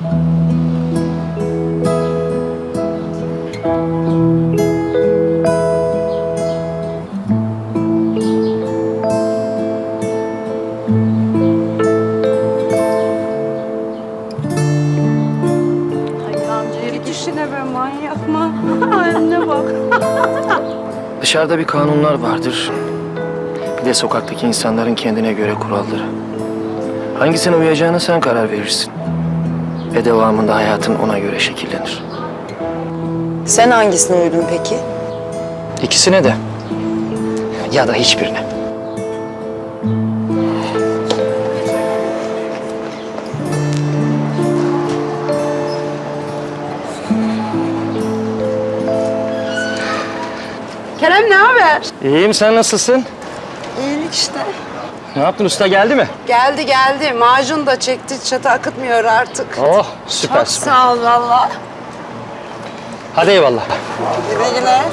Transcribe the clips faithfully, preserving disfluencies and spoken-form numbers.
Dışarıda bir kanunlar vardır. Bir de sokaktaki insanların kendine göre kuralları. Hangisine uyacağına sen karar verirsin. Ve devamında hayatın ona göre şekillenir. Sen hangisine uydun peki? İkisine de. Ya da hiçbirine. Kerem ne haber? İyiyim, sen nasılsın? İyilik işte. Ne yaptın, usta geldi mi? Geldi geldi. Macun da çekti. Çatı akıtmıyor artık. Oh, süper Çok süper. sağ ol valla. Hadi eyvallah. Güle güle.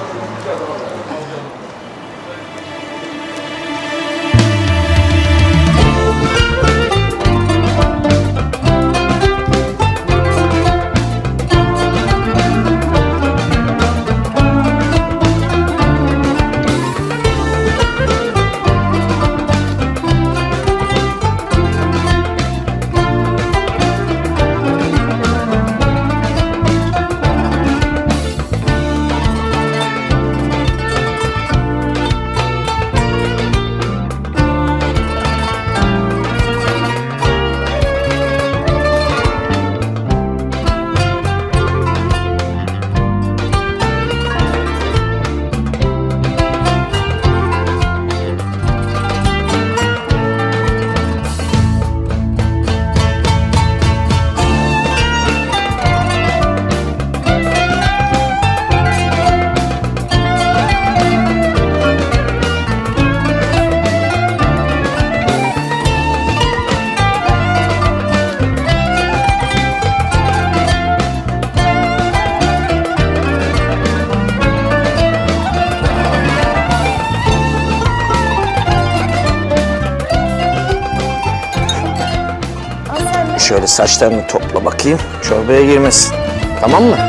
Şöyle saçlarını topla bakayım. Çorbaya girmesin. Tamam mı?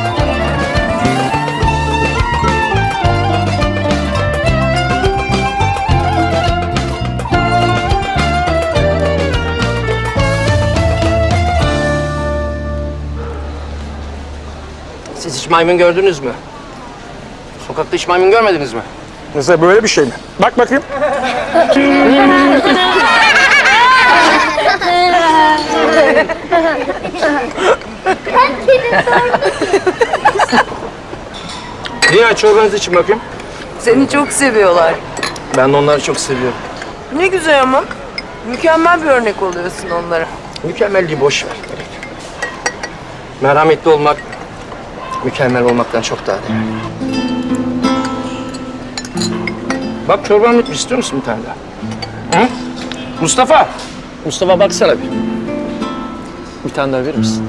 Siz hiç maymun gördünüz mü? Sokakta hiç maymun görmediniz mi? Mesela böyle bir şey mi? Bak bakayım. Niye çorbanızı için bakayım? Seni çok seviyorlar. Ben de onları çok seviyorum. Ne güzel ama. Mükemmel bir örnek oluyorsun onlara. Mükemmelliği boş ver. Merhametli olmak, mükemmel olmaktan çok daha değerli. Bak çorban bitmiş. İstiyor musun bir tane daha? Hı? Mustafa! Mustafa baksana bir. Bir tane daha verir misin?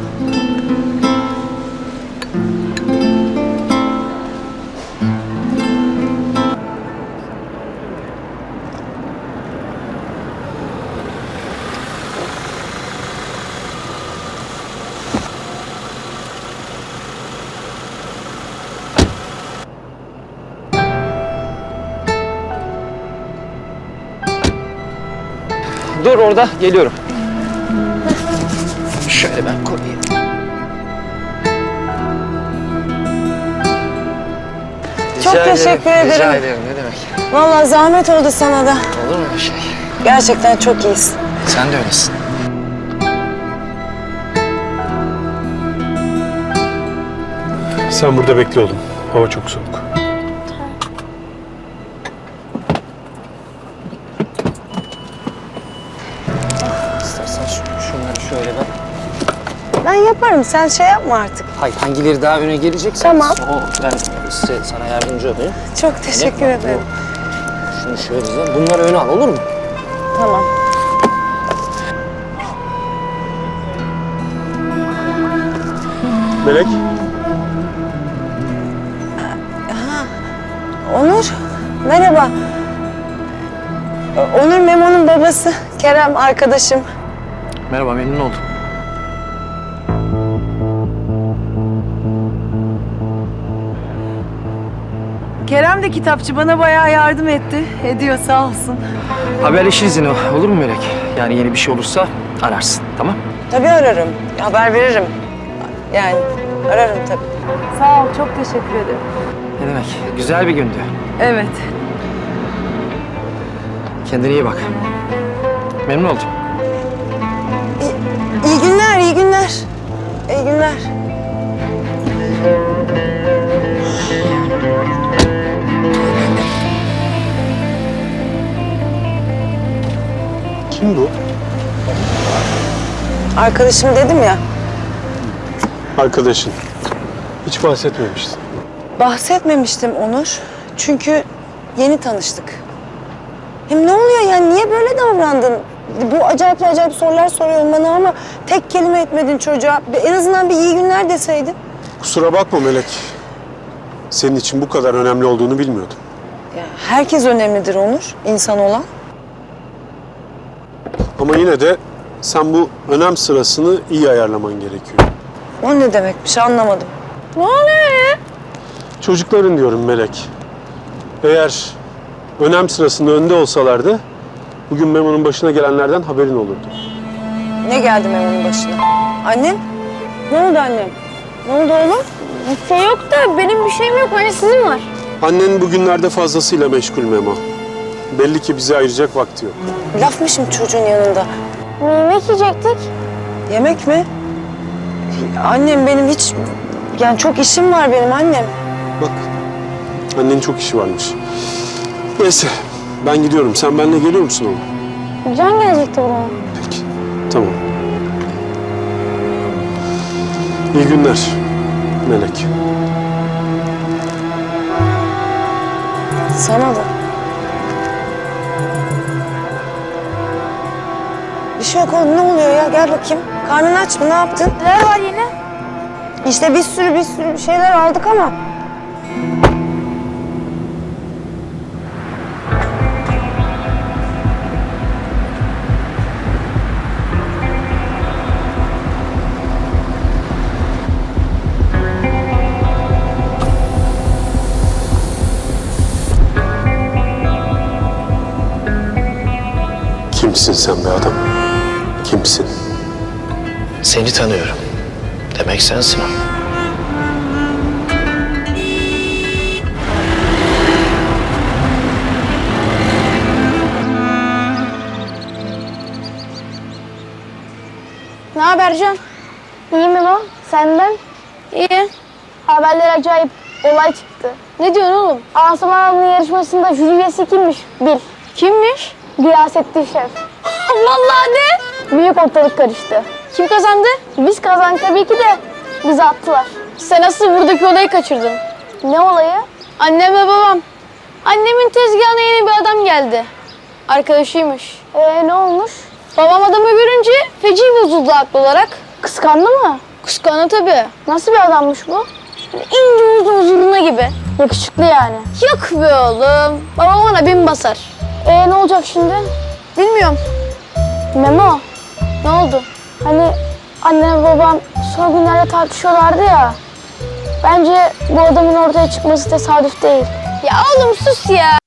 Dur orada, geliyorum. Şöyle ben koyayım. Çok Rica teşekkür ederim. Rica ederim. ederim, ne demek. Vallahi zahmet oldu sana da. Olur mu bir şey? Gerçekten çok iyisin. Sen de öylesin. Sen burada bekle oğlum. Hava çok soğuk. İstersen şu, şunları şöyle ben. Ben yaparım. Sen şey yapma artık. Hayır, hangileri daha öne gelecekse Tamam. o ben size, sana yardımcı olayım. Çok teşekkür Öyle mi? ederim. Şunu şöyle bize. Bunları öne al, olur mu? Tamam. Melek. Onur, merhaba. Onur Memo'nun babası. Kerem arkadaşım. Merhaba, memnun oldum. Eniştem de kitapçı. Bana bayağı yardım etti. Ediyor sağ olsun. Haberleşiriz yine, olur mu Melek? Yani yeni bir şey olursa ararsın, tamam? Tabii ararım. Haber veririm. Yani ararım tabii. Sağ ol. Çok teşekkür ederim. Ne demek? Güzel bir gündü. Evet. Kendine iyi bak. Memnun oldum. İyi günler, iyi günler. İyi günler. Kim bu? Arkadaşım dedim ya. Arkadaşın. Hiç bahsetmemiştin. Bahsetmemiştim Onur. Çünkü yeni tanıştık. Hem ne oluyor yani? Niye böyle davrandın? Bu acayip acayip sorular soruyorsun bana ama tek kelime etmedin çocuğa. En azından bir iyi günler deseydin. Kusura bakma Melek. Senin için bu kadar önemli olduğunu bilmiyordum. Ya herkes önemlidir Onur, insan olan. Ama yine de sen bu önem sırasını iyi ayarlaman gerekiyor. O ne demekmiş anlamadım. Ne oluyor ya? Çocukların diyorum Melek. Eğer önem sırasında önde olsalardı bugün Memo'nun başına gelenlerden haberin olurdu. Ne geldi Memo'nun başına? Annem? Ne oldu annem? Ne oldu oğlum? Bir şey yok da benim bir şeyim yok. Hani sizin var. Annen bugünlerde fazlasıyla meşgul Memo. Belli ki bize ayıracak vakti yok. Laf mı şimdi çocuğun yanında? Yemek yiyecektik. Yemek mi? Annem benim hiç... Yani çok işim var benim annem. Bak, annenin çok işi varmış. Neyse, ben gidiyorum. Sen benimle geliyor musun oğlum? Can gelecekti buraya. Peki, tamam. İyi günler Melek. Sana da. Bir şey yok oğlum ne oluyor ya? Gel bakayım. Karnın aç mı? Ne yaptın? Neler var yine? İşte bir sürü bir sürü bir şeyler aldık ama. Kimsin sen be adam? Kimsin? Seni tanıyorum. Demek sensin o. Ne haber Can? İyi mi bu? Senden? İyi. Haberler acayip. Olay çıktı. Ne diyorsun oğlum? Asuman Hanım'ın yarışmasında jüri üyesi kimmiş? Bil. Kimmiş? Gıyasettin Şef. Vallahi de. Büyük ortalık karıştı. Kim kazandı? Biz kazandık tabii ki de. Bizi attılar. Sen asıl buradaki olayı kaçırdın. Ne olayı? Annem ve babam. Annemin tezgahına yeni bir adam geldi. Arkadaşıymış. Ee ne olmuş? Babam adamı görünce feci bozuldu haklı olarak. Kıskandı mı? Kıskandı tabii. Nasıl bir adammış bu? Böyle İnce uzun zurna gibi. Yakışıklı yani. Yok be oğlum. Babam ona bin basar. Ee ne olacak şimdi? Bilmiyorum. Memo, ne oldu? Hani annem ve babam son günlerde tartışıyorlardı ya. Bence bu adamın ortaya çıkması tesadüf değil. Ya oğlum sus ya.